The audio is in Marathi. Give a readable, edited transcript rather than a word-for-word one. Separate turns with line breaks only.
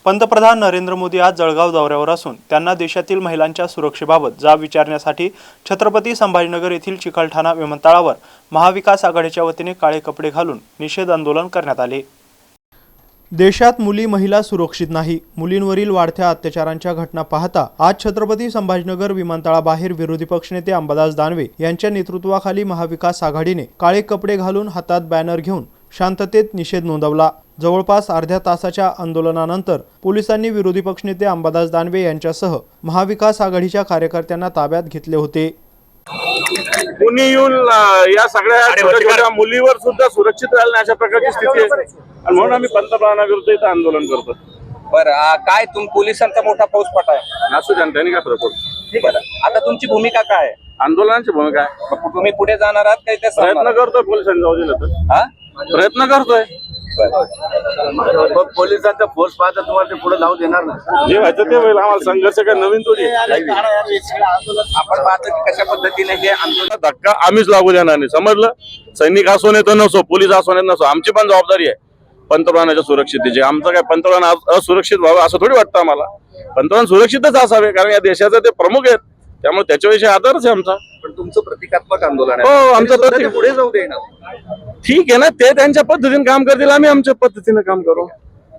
पंतप्रधान नरेंद्र मोदी आज जळगाव दौऱ्यावर असून त्यांना देशातील महिलांच्या सुरक्षेबाबत जाब विचारण्यासाठी छत्रपती संभाजीनगर येथील चिकलठाणा विमानतळावर महाविकास आघाडीच्या वतीने काळे कपडे घालून निषेध आंदोलन करण्यात आले। देशात मुली महिला सुरक्षित नाही, मुलींवरील वाढत्या अत्याचारांच्या घटना पाहता आज छत्रपती संभाजीनगर विमानतळाबाहेर विरोधी पक्षनेते अंबादास दानवे यांच्या नेतृत्वाखाली महाविकास आघाडीने काळे कपडे घालून हातात बॅनर घेऊन शांततेत निषेध नोंदवला। जवळपास अर्ध्या तासाच्या आंदोलनानंतर पोलिसांनी विरोधी पक्षनेते अंबादास दानवे यांच्यासह महाविकास आघाडीच्या कार्यकर्त्यांना ताब्यात घेतले होते।
कुणी येऊन या सगळ्या छोट्या मुलीवर सुद्धा सुरक्षित राहिलं अशा प्रकारची स्थिती आहे आणि म्हणून आम्ही पंतप्रधानाविरुद्ध इथं आंदोलन करतो।
बरं, काय पोलिसांचा मोठा फौजफाट आहे,
असू त्यांनी काय फरक पडतो।
बरं, आता तुमची भूमिका काय आहे?
आंदोलनाची भूमिका आहे,
तुम्ही पुढे जाणार आहात काही?
प्रयत्न करतोय पोलिसांनी जाऊ दिलं तर प्रयत्न करतोय।
पोलिसांचा फोर्स पाहता तुम्हाला ते पुढे जाऊ देणार नाही,
जे व्हायचं ते होईल। आम्हाला संघर्ष काय नवीन थोडी।
आपण पाहतो की कशा पद्धतीने हे आंदोलन
धक्का आम्हीच लागू देणार नाही, समजलं। सैनिक असो नाही तर नसो, पोलीस असो नाही नसो, आमची पण जबाबदारी आहे पंतप्रधानाच्या सुरक्षितेची। आमचं काय पंतप्रधान असुरक्षित व्हावं असं थोडी वाटतं आम्हाला। पंतप्रधान सुरक्षितच असावे, कारण या देशाचे ते प्रमुख आहेत, त्यामुळे त्याच्याविषयी आदरच आहे आमचा।
पण तुमचं प्रतिकात्मक आंदोलन
हो,
आहे,
आमचं
पुढे जाऊ देणार।
ठीक आहे ना, ते त्यांच्या पद्धतीने काम करतील, आम्ही आमच्या पद्धतीने काम करू।